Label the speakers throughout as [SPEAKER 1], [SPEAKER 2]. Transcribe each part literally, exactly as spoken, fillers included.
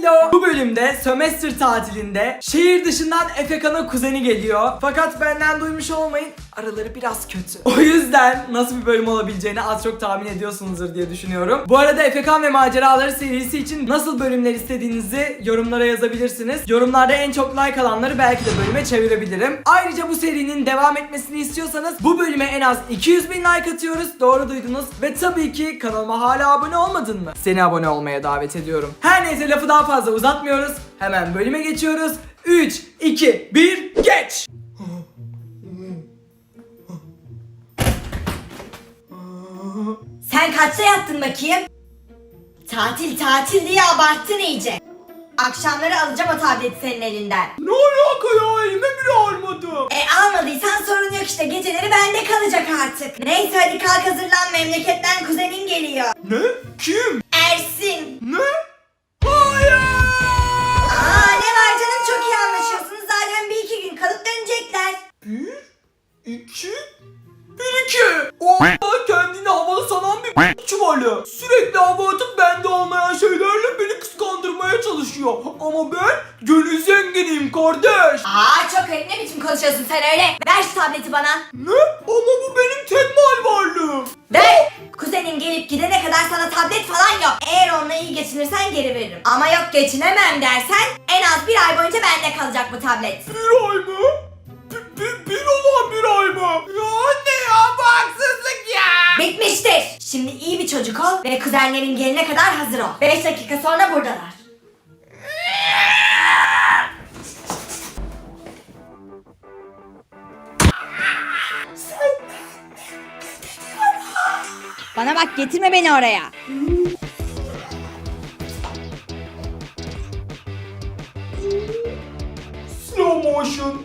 [SPEAKER 1] Hello. Bu bölümde sömestr tatilinde şehir dışından Efekan'ın kuzeni geliyor. Fakat benden duymuş olmayın, araları biraz kötü. O yüzden nasıl bir bölüm olabileceğini az çok tahmin ediyorsunuzdur diye düşünüyorum. Bu arada Efekan ve Maceraları serisi için nasıl bölümler istediğinizi yorumlara yazabilirsiniz. Yorumlarda en çok like alanları belki de bölüme çevirebilirim. Ayrıca bu serinin devam etmesini istiyorsanız bu bölüme en az iki yüz bin like atıyoruz. Doğru duydunuz. Ve tabii ki kanalıma hala abone olmadın mı? Seni abone olmaya davet ediyorum. Her neyse, lafı daha fazla uzatmıyoruz. Hemen bölüme geçiyoruz. üç, iki, bir, geç!
[SPEAKER 2] Sen kaçta yattın bakayım? Tatil tatil diye abarttın iyice. Akşamları alacağım o tableti senin elinden.
[SPEAKER 1] Ne alaka ya? Elime bile almadım.
[SPEAKER 2] E almadıysan sorun yok işte, geceleri bende kalacak artık. Neyse hadi kalk hazırlan, memleketten kuzenin geliyor.
[SPEAKER 1] Ne? Kim?
[SPEAKER 2] Ersin.
[SPEAKER 1] Ne? Hayır!
[SPEAKER 2] Aa ne var canım, çok iyi anlaşıyorsunuz, zaten bir iki gün kalıp dönecekler.
[SPEAKER 1] Bir, iki, bir iki. O kendini havalı sanan bir çuvalı. Sürekli hava atıp bende olmayan şeylerle beni kıskandırmaya çalışıyor. Ama ben gönül zenginiyim kardeş.
[SPEAKER 2] Aa çok öyle, ne biçim konuşuyorsun sen öyle? Ver şu tableti bana.
[SPEAKER 1] Ne? Ama bu benim tek mal varlığım.
[SPEAKER 2] Ver! Kuzenin gelip gidene kadar sana tablet falan yok. Eğer onunla iyi geçinirsen geri veririm. Ama yok geçinemem dersen en az bir ay boyunca bende kalacak bu tablet.
[SPEAKER 1] Bir ay mı? Bir, bir, bir olan bir ay mı? Ya anne ya, bu haksızlık ya.
[SPEAKER 2] Bitmiştir. Şimdi iyi bir çocuk ol ve kuzenlerin gelene kadar hazır ol. beş dakika sonra buradalar. Bana bak, getirme beni oraya.
[SPEAKER 1] Slow motion.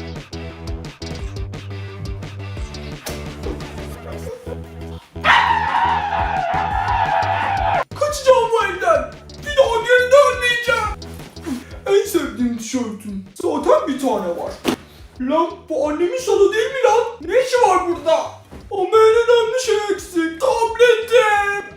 [SPEAKER 1] Kaçacağım bu evden. Bir daha geri dönmeyeceğim. En sevdiğim tişörtüm. Zaten bir tane var. Lan bu annemin salı değil mi lan? Ne işi var burada? Ama en önemli şey eksik. Tabletim.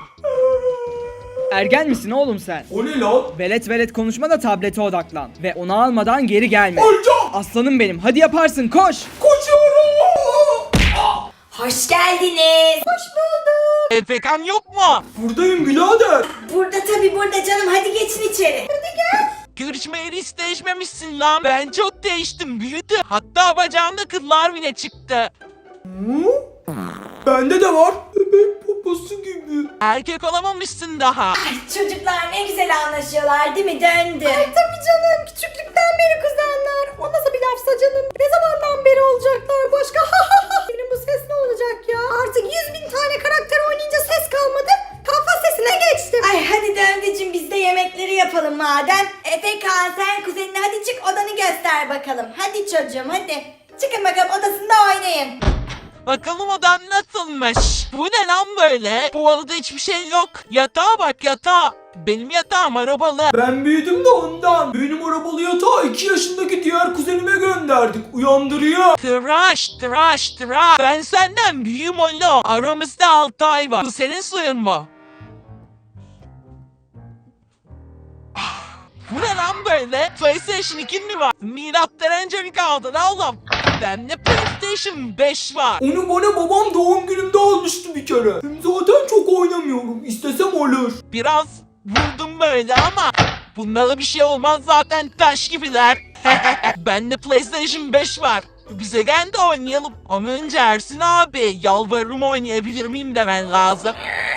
[SPEAKER 3] Ergen misin oğlum sen?
[SPEAKER 1] O ne lan?
[SPEAKER 3] Velet velet konuşma da tablete odaklan. Ve onu almadan geri gelme.
[SPEAKER 1] Alacağım.
[SPEAKER 3] Aslanım benim, hadi yaparsın, koş.
[SPEAKER 1] Koşuyorum.
[SPEAKER 2] Hoş geldiniz. Hoş bulduk.
[SPEAKER 4] Efekan yok mu?
[SPEAKER 1] Buradayım birader.
[SPEAKER 2] Burada tabii, burada canım, hadi geçin içeri. Hadi gel.
[SPEAKER 4] Görüşmeyeli hiç değişmemişsin lan. Ben çok değiştim, büyüdü. Hatta bacağımda kıllar bile çıktı.
[SPEAKER 1] Hı? Bende de var. Bebek poposu gibi.
[SPEAKER 4] Erkek olamamışsın daha.
[SPEAKER 2] Ay çocuklar ne güzel anlaşıyorlar değil mi? Döndü. Ay tabii canım, küçüklükten beri kuzenler. O nasıl bir lafsa canım? Ne zamandan beri olacaklar başka? Benim bu ses ne olacak ya? Artık yüz bin tane karakter oynayınca ses kalmadı. Kafa sesine geçtim. Ay hadi Döndücüm, biz de yemekleri yapalım madem. Efekan sen kuzenine hadi çık, odanı göster bakalım. Hadi çocuğum hadi. Çıkın bakalım odasında oynayın.
[SPEAKER 4] Bakalım odan nasılmış? Bu ne lan böyle? Bu odada hiçbir şey yok. Yatağa bak, yatağa. Benim yatağım arabalı.
[SPEAKER 1] Ben büyüdüm de ondan. Benim arabalı yatağı iki yaşındaki diğer kuzenime gönderdik. Uyandırıyor.
[SPEAKER 4] Tıraş, tıraş, tıraş. Ben senden büyüğüm oğlum. Aramızda altı ay var. Bu senin suyun mu? Bu ne lan böyle? PlayStation iki mi var? Milattan önce mi kaldı lan oğlum? Bende PlayStation beş var.
[SPEAKER 1] Onu bana babam doğum günümde almıştı bir kere. Hem zaten çok oynamıyorum. İstesem olur.
[SPEAKER 4] Biraz vurdum böyle ama bunlara bir şey olmaz, zaten taş gibiler. Bende PlayStation beş var. Bize gel de oynayalım. Ama önce Ersin abi, yalvarırım oynayabilir miyim demen lazım.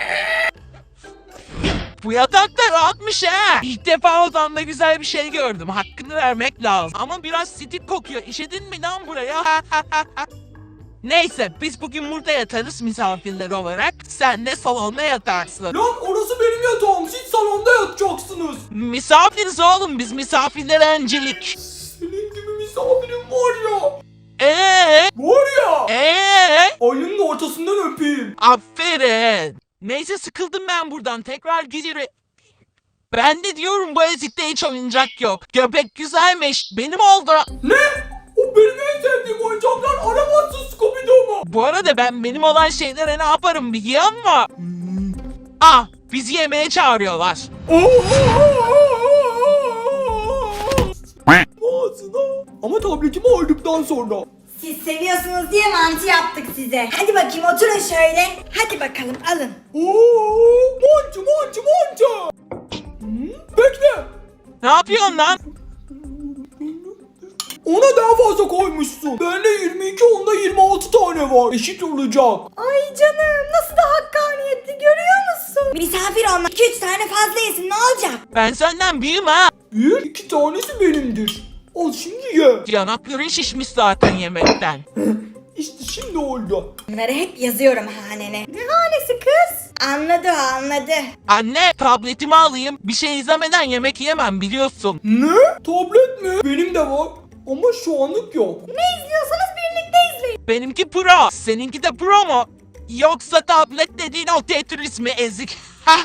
[SPEAKER 4] Bu yatak da rahatmış ha. İlk defa odamda güzel bir şey gördüm. Hakkını vermek lazım. Ama biraz sitik kokuyor. İşedin mi lan buraya? Neyse, biz bugün burada yatarız misafirler olarak. Sen de salonda yatarsın.
[SPEAKER 1] Lan orası benim yatağım. Siz salonda yatacaksınız.
[SPEAKER 4] Misafiriz oğlum biz, misafirlere öncelik.
[SPEAKER 1] Senin gibi misafirim var ya.
[SPEAKER 4] Eee?
[SPEAKER 1] Var ya.
[SPEAKER 4] Eee?
[SPEAKER 1] Ayının ortasından öpeyim.
[SPEAKER 4] Aferin. Neyse, sıkıldım ben buradan, tekrar giderim. Ben de diyorum, bu ezikte hiç oyuncak yok. Göbek güzelmiş, benim oldu.
[SPEAKER 1] Ne? O benim en sevdiğim oyuncaklar. Aramazsın Scooby-Doo mu?
[SPEAKER 4] Bu arada ben benim olan şeylere ne yaparım biliyor musun? Ah, bizi yemeğe çağırıyorlar.
[SPEAKER 1] Oo!
[SPEAKER 3] ağzına. Ama tabletimi aldıktan sonra.
[SPEAKER 2] Siz seviyorsunuz diye mantı yaptık size. Hadi bakayım oturun şöyle. Hadi bakalım alın.
[SPEAKER 3] Oo, mantı mantı mantı. Hı, bekle.
[SPEAKER 4] Ne yapıyorsun lan?
[SPEAKER 3] Ona daha fazla koymuşsun. Bende yirmi iki, onda yirmi altı tane var. Eşit olacak.
[SPEAKER 2] Ay canım nasıl da hakkaniyetli görüyor musun? Misafir olmak iki üç tane fazla yesin ne olacak?
[SPEAKER 4] Ben senden büyüğüm ha.
[SPEAKER 3] Bir, iki tanesi benimdir. Al şimdi ye.
[SPEAKER 4] Yanakların şişmiş zaten yemekten.
[SPEAKER 3] İşte şimdi oldu.
[SPEAKER 2] Bunları hep yazıyorum hanene. Ne hanesi kız? Anladı o anladı.
[SPEAKER 4] Anne tabletimi alayım. Bir şey izlemeden yemek yemem biliyorsun.
[SPEAKER 3] Ne? Tablet mi? Benim de var. Ama şu anlık yok.
[SPEAKER 2] Ne izliyorsanız birlikte izleyin.
[SPEAKER 4] Benimki pro. Seninki de pro mu? Yoksa tablet dediğin o Tetris mi ezik?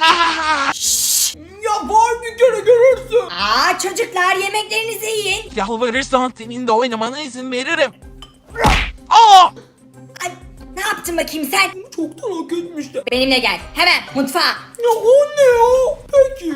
[SPEAKER 3] Ya var bir kere görürsün.
[SPEAKER 2] Aa çocuklar yemeklerinizi yiyin.
[SPEAKER 4] Yalvarırsan senin de oynamana izin veririm. Aa!
[SPEAKER 2] Ay, ne yaptın bakayım sen?
[SPEAKER 3] Çoktan hak etmişti.
[SPEAKER 2] Benimle gel hemen mutfağa.
[SPEAKER 3] Ya anne ya. Peki.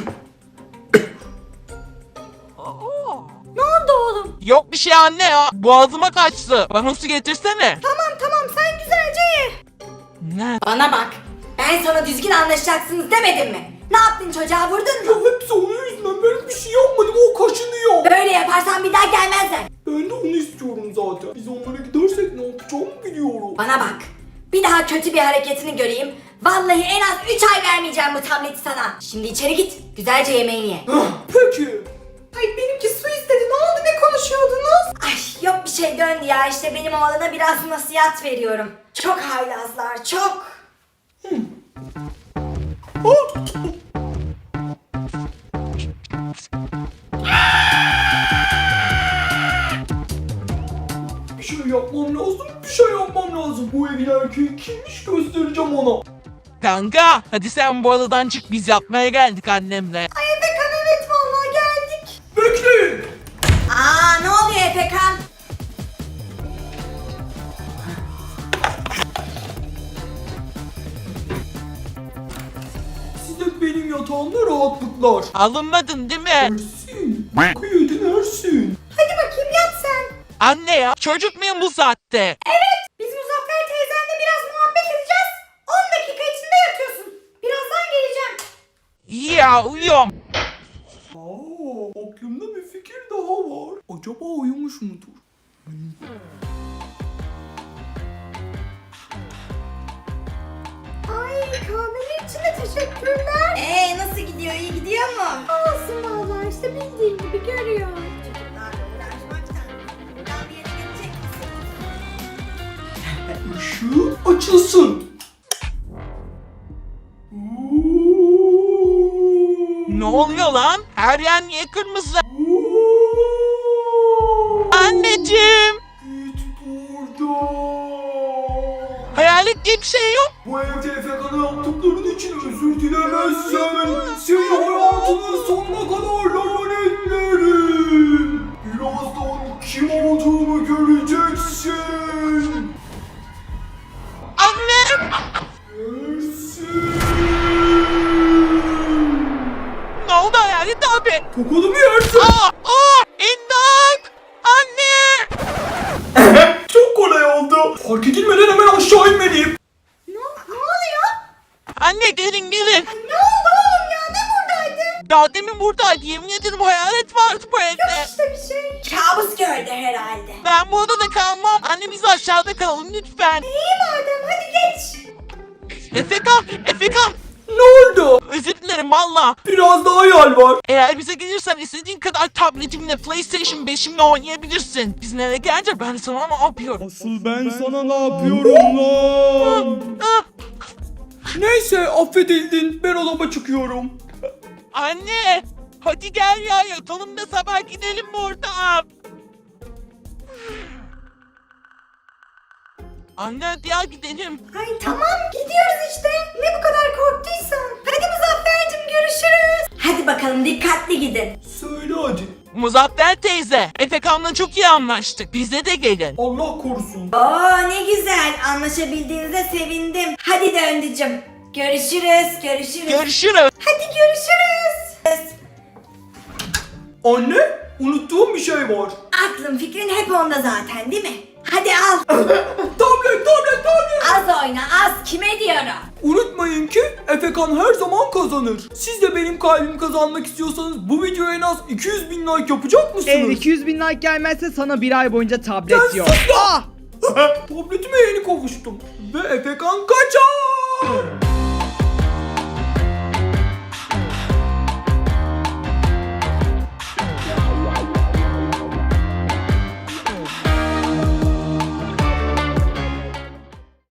[SPEAKER 2] Ne oldu oğlum?
[SPEAKER 4] Yok bir şey anne ya. Boğazıma kaçtı. Bana su getirsene.
[SPEAKER 2] Tamam tamam sen güzelce ye.
[SPEAKER 4] Ne?
[SPEAKER 2] Bana bak. Ben sana düzgün anlaşacaksınız demedim mi? Ne yaptın çocuğa vurdun
[SPEAKER 3] Ya
[SPEAKER 2] mu?
[SPEAKER 3] hepsi onun yüzünden. Ben bir şey yapmadım. O kaşınıyor.
[SPEAKER 2] Böyle yaparsan bir daha gelmezler.
[SPEAKER 3] Ben de onu istiyorum zaten. Biz onlara gidersek ne yapacağımı biliyorum.
[SPEAKER 2] Bana bak. Bir daha kötü bir hareketini göreyim. Vallahi en az üç ay vermeyeceğim bu tableti sana. Şimdi içeri git. Güzelce yemeğini ye.
[SPEAKER 3] Hah, peki.
[SPEAKER 2] Ay benimki su istedi. Ne oldu? Ne konuşuyordunuz? Ay yok bir şey döndü ya. İşte benim oğlana biraz nasihat veriyorum. Çok haylazlar. Çok.
[SPEAKER 3] Ah! Bir şey yapmam lazım, bir şey yapmam lazım. Bu evin erkeği kimmiş göstereceğim ona.
[SPEAKER 4] Kanka hadi sen bu odadan çık biz yatmaya geldik annemle.
[SPEAKER 2] Ay Efekan evet vallahi geldik.
[SPEAKER 3] Bekleyin.
[SPEAKER 2] Aa ne oluyor Efekan?
[SPEAKER 3] Size benim yatağımda rahatlıklar.
[SPEAKER 4] Alınmadın değil mi?
[SPEAKER 3] Ersin, boku yedin Ersin.
[SPEAKER 2] Hadi bakayım yat sen.
[SPEAKER 4] Anne ya çocuk muyum bu saatte?
[SPEAKER 2] Evet biz Muzaffer teyzenle biraz muhabbet edeceğiz. on dakika içinde yatıyorsun. Birazdan geleceğim.
[SPEAKER 4] İyi ya uyuyorum.
[SPEAKER 3] Aa, aklımda bir fikir daha var. Acaba uyumuş mudur?
[SPEAKER 2] Ay kahvenin için de teşekkürler. Ee nasıl gidiyor? İyi gidiyor mu? Olsun vallahi işte bildiğin gibi görüyor. Çocuklarla uğraşmaktan buradan bir yere gelecek misin?
[SPEAKER 3] Işığı açılsın.
[SPEAKER 4] Ne oluyor lan? Her yer niye kırmızı? Anneciğim.
[SPEAKER 3] Git buradan.
[SPEAKER 4] Hayalet diye bir şey yok.
[SPEAKER 3] Bu evde Efekan'a yaptıkların için özür dilemezsen seni hayatının sonuna kadar lanetlerim. Birazdan kim olduğumu göreceksin.
[SPEAKER 4] Anne.
[SPEAKER 3] Ersin.
[SPEAKER 4] Ne oldu hayalet abi?
[SPEAKER 3] Tokadı mı yersin?
[SPEAKER 4] Aa, aa, imdat. Anne.
[SPEAKER 3] Çok kolay oldu. Fark edilmeden hemen aşağı inmeliyim.
[SPEAKER 2] Ne, ne oluyor?
[SPEAKER 4] Anne gelin gelin.
[SPEAKER 2] Ne oldu oğlum ya? Ne buradaydı?
[SPEAKER 4] Daha demin buradaydı. Yemin ederim hayalet vardı bu evde.
[SPEAKER 2] İşte bir şey. Kabus gördü herhalde.
[SPEAKER 4] Ben bu odada kalmam. Anne biz aşağıda kalalım lütfen.
[SPEAKER 2] İyi madem hadi geç.
[SPEAKER 4] Efekan, Efekan.
[SPEAKER 3] Ne oldu?
[SPEAKER 4] Özür dilerim valla.
[SPEAKER 3] Biraz daha hayal var.
[SPEAKER 4] Eğer bize gelirsen istediğin kadar tabletimle PlayStation beşimle oynayabilirsin. Biz nereye gelince ben sana ne yapıyorum?
[SPEAKER 3] Asıl ben sana ne yapıyorum lan?
[SPEAKER 4] Ah,
[SPEAKER 3] Neyse affedildin. Ben odama çıkıyorum.
[SPEAKER 4] anne. Hadi gel ya yatalım da sabah gidelim buradan. Anne hadi ya gidelim.
[SPEAKER 2] Ay tamam gidiyoruz işte. Ne bu kadar korktuysan. Hadi Muzaffer'cim görüşürüz. Hadi bakalım dikkatli gidin.
[SPEAKER 3] Söyle hadi.
[SPEAKER 4] Muzaffer teyze, Efekan'la çok iyi anlaştık. Bize de gelin.
[SPEAKER 3] Allah korusun.
[SPEAKER 2] Oo ne güzel anlaşabildiğinize sevindim. Hadi döndücüm. Görüşürüz görüşürüz.
[SPEAKER 4] Görüşürüz.
[SPEAKER 2] Hadi görüşürüz.
[SPEAKER 3] Anne? unuttuğum bir şey var.
[SPEAKER 2] Aklın fikrin hep onda zaten değil mi? Hadi al.
[SPEAKER 3] Tablet, tablet, tablet.
[SPEAKER 2] Az oyna az. Kime diyorum?
[SPEAKER 3] Unutmayın ki Efekan her zaman kazanır. Siz de benim kalbimi kazanmak istiyorsanız bu videoya en az iki yüz bin like yapacak mısınız?
[SPEAKER 5] Eğer iki yüz bin like gelmezse sana bir ay boyunca tablet
[SPEAKER 3] Sen
[SPEAKER 5] yok.
[SPEAKER 3] sus ya!
[SPEAKER 5] Ah!
[SPEAKER 3] Tabletime yeni kavuştum. Ve Efekan kaçar.